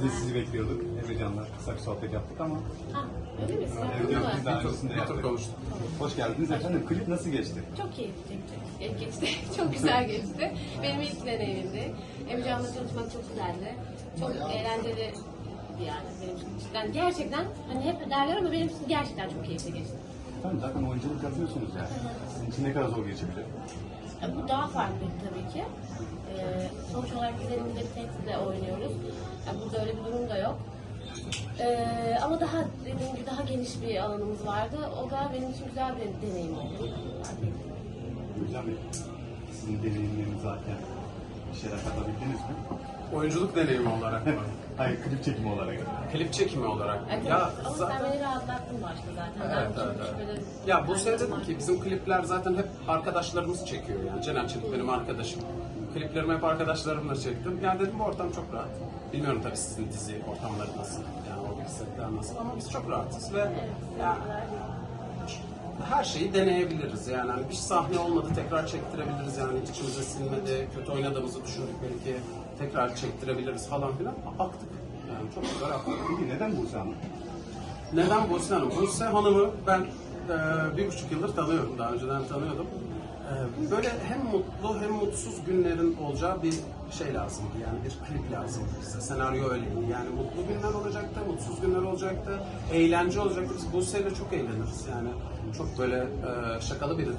de sizi bekliyorduk. Emrecan'la kısa bir sohbet yaptık ama. Ha, öyle mi? Emrecan biz daha öncesinde Bir tur yaptık. konuştuk. Hoş geldiniz efendim. Klip nasıl geçti? Çok keyifli geçti. Çok güzel geçti. Benim ilk deneyimimdi. Emrecan'la çalışmak çok güzeldi. Çok eğlenceli yani benim için. Yani gerçekten hani hep derler ama benim için gerçekten çok keyifli geçti. Efendim zaten oyunculuk yapıyorsunuz yani. Sizin için ne kadar zor geçebilir? Bu daha farklı tabii ki. Sonuç olarak biz elimizde bir tekstle oynuyoruz. Yani burada öyle bir durum da yok. Ama daha dediğim gibi daha geniş bir alanımız vardı. O da benim için güzel bir deneyim oldu. Hocam sizin deneyimleriniz zaten bir şeyler katabildiniz mi? Oyunculuk deneyimi olarak mı? Hayır, klip çekimi olarak. Klip çekimi olarak mı? Evet, Ya ama zaten... sen beni rahatlattın başta zaten. Evet, Ben evet, çok evet. böyle- Ya bu sefer dedim ki bizim klipler zaten hep arkadaşlarımız çekiyor yani. Cener Çelik benim arkadaşım. Kliplerimi hep arkadaşlarımla çektim. Yani dedim bu ortam çok rahat. Bilmiyorum tabii sizin dizi ortamları nasıl, yani o setler nasıl ama biz çok rahatız ve ya, her şeyi deneyebiliriz yani. Hani bir sahne olmadı tekrar çektirebiliriz yani içimize sinmedi, kötü oynadığımızı düşündük belki tekrar çektirebiliriz falan filan. Aktık. Yani çok güzel aktık. Peki neden Buse Hanım? Neden Buse Hanım? Buse Hanım'ı ben 1,5 yıldır tanıyorum. Daha önceden tanıyordum. Böyle hem mutlu hem mutsuz günlerin olacağı bir şey lazımdı. Yani bir klip lazımdı bize. Senaryo öyleydi. Yani mutlu günler olacaktı, mutsuz günler olacaktı, eğlence olacaktı. Biz Buse'yle çok eğleniriz. Yani çok böyle şakalı biridir.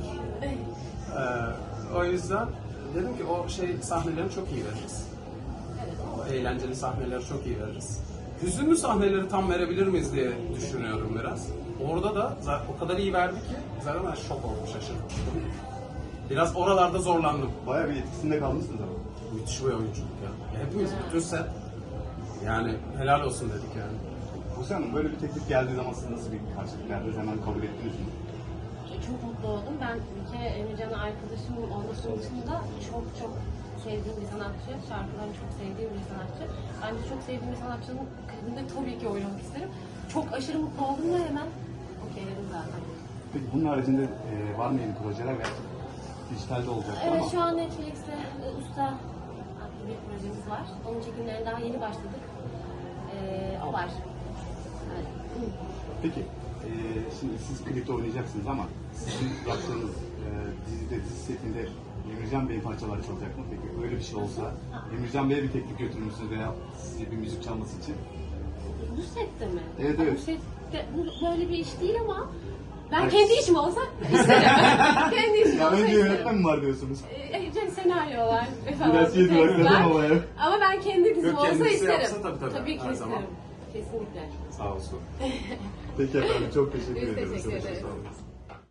O yüzden dedim ki o sahnelerini çok iyi veririz. O eğlenceli sahneleri çok iyi veririz. Hüzünlü sahneleri tam verebilir miyiz diye düşünüyorum biraz. Orada da zaten o kadar iyi verdi ki zaten ben şok oldum, şaşırdım. Biraz oralarda zorlandım. Bayağı bir etkisinde kalmışsınız ama. Müthiş bir oyunculuk ya. Hepimiz, bütün set. Yani helal olsun dedik yani. Buse Hanım böyle bir teklif geldiği zaman siz nasıl bir karşılık verdiniz? Hemen kabul ettiniz mi? Çok mutlu oldum. Ben bir kere Emrecan'a arkadaşım olmasının dışında çok sevdiğim bir sanatçı. Şarkılarını çok sevdiğim bir sanatçı. Ben de çok sevdiğim bir sanatçının klibinde tabii ki oynamak isterim. Çok aşırı mutlu oldum ve hemen okeyledim zaten. Peki bunun haricinde var mı yeni projeler veya dijitalde olacak Evet, ama? şu an Netflix'te Usta adlı bir projemiz var. Onun çekimlerine daha yeni başladık. O var. Evet. Peki şimdi siz klipte oynayacaksınız ama sizin yaptığınız dizi setinde Emircan Bey'in parçaları çalacak mı? Peki öyle bir şey olsa Emircan Bey'e bir teklif götürmüşsünüz veya size bir müzik çalması için? Bu sette mi? Evet, evet. Bu sette bu böyle bir iş değil ama ben kendi işim olsa isterim. Kendi işim Ya olsa önce isterim. yönetmen mi var diyorsunuz? Senaryolar falan. Biraz şey var, tekstler. neden olaya? Ama ben kendi dizim Yok, olsa kendisi isterim. yapsa tabii, Tabii ki her isterim. zaman. Kesinlikle. Sağ olsun. Peki efendim çok teşekkür Biz ederim. teşekkür Çok ederiz. sağ olun.